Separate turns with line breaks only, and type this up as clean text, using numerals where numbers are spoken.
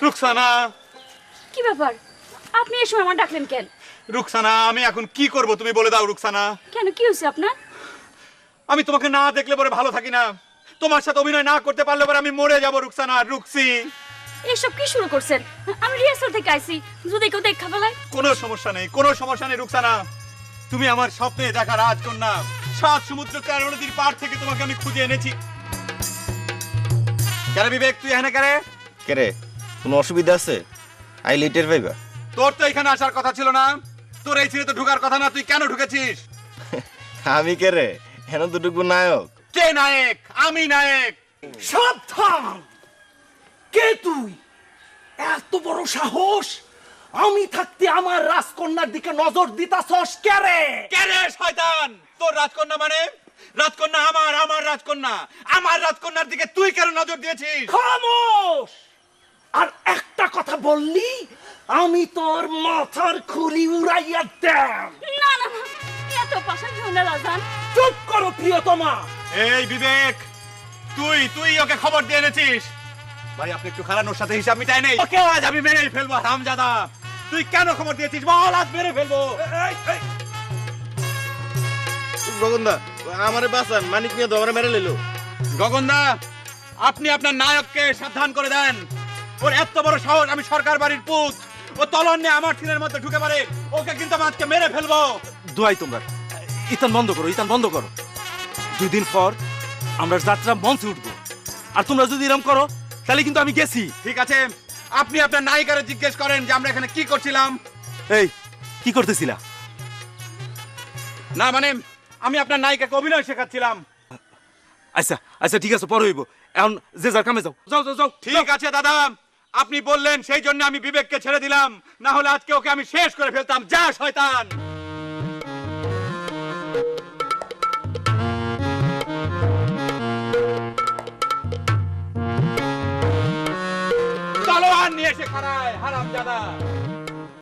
রুকসানা,
কি ব্যাপার? আপনি এই সময় আমার ডাকলেন কেন?
রুকসানা, আমি এখন কি করব তুমি বলে দাও রুকসানা।
কেন, কি হয়েছে আপনার?
আমি তোমাকে না দেখলে পরে ভালো থাকি না। তোমার সাথে অভিনয় না করতে পারলে পরে আমি মরে যাব রুকসানা। রুকসি,
এসব কি শুরু করছেন? আমি রিহার্সাল থেকে আইছি, যদি কেউ দেখা ফেলায়।
কোনো সমস্যা নেই, কোনো সমস্যা নেই রুকসানা। তুমি আমার স্বপ্নে দেখা রাজকন্যা। 7 সমুদ্র 13 নদীর পার থেকে তোমাকে আমি খুঁজে এনেছি। কেন বিবেক, তুই এখানে কেন?
কেরে কোনো অসুবিধা আছে? আই লিটের ভাইবা।
তোর তো এখানে আসার কথা ছিল না। তোর এই ছেলে তো ঢোকার কথা না, তুই কেন ঢুকেছিস?
আমি কেরে হেন দুটুকু নায়ক।
কে নায়ক? আমি নায়ক।
সাবধান! কে তুই? এত বড় সাহস! আমি থাকতে আমার রাজকন্যার দিকে নজর দিতাছস কে রে?
কে রে শয়তান? তোর রাজকন্যা মানে? রাজকন্যা আমার, আমার রাজকন্যা। আমার রাজকন্যার দিকে তুই কেন নজর দিয়েছিস?
খামোশ! আর একটা কথা বললি আমি তোর মাথার খুলি উড়াইয়া দেব।
না না না, এত পাশা কেউ না রাজান।
চুপ করো প্রিয়তমা।
এই বিবেক, তুই তুই ওকে খবর দিয়ে এনেছিস? ভাই আপনি একটু খারাপ, ওর সাথে হিসাব মিটাই নেই। ওকে আজ আমি মেরে ফেলবো হারামজাদা। তুই কেন খবর দিয়েছিস বল, আজ মেরে ফেলবো।
গগনদা আমারে বাঁচান, মানিক নিয়ে তো আমারে মেরে লইলো।
গগনদা, আপনি আপনার নায়ককে সাবধান করে দেন। ওর এত বড় সাহস, আমি সরকার বাড়ির পুত। ও তলন নিয়ে আমার ছেলের মধ্যে ঢুকে পারে। ওকে কিন্তু আমি আজকে মেরে ফেলবো।
দোয়াই তোমরা ইতান বন্ধ করো, ইতান বন্ধ করো। 2 দিন পর আমরা যাত্রা মঞ্চে উঠবো, আর তোমরা যদি এরকম করো তাহলে কিন্তু আমি গেছি।
ঠিক আছে, আপনি আপনার নায়িকারে জিজ্ঞেস করেন যে আমরা এখানে কি করছিলাম।
এই কি করতেছিলা?
না মানে আমি আপনার নায়িকাকে অভিনয় শেখাচ্ছিলাম।
আচ্ছা আচ্ছা ঠিক আছে, পরে হইব। এখন যে যার কামে যাও, যাও যাও যাও।
ঠিক আছে দাদা, আপনি বললেন সেই জন্য আমি বিবেককে ছেড়ে দিলাম, না হলে আজকে ওকে আমি শেষ করে ফেলতাম। যা শয়তান। তলোয়ার নিয়ে এসে খাড়ায় হারামজাদা।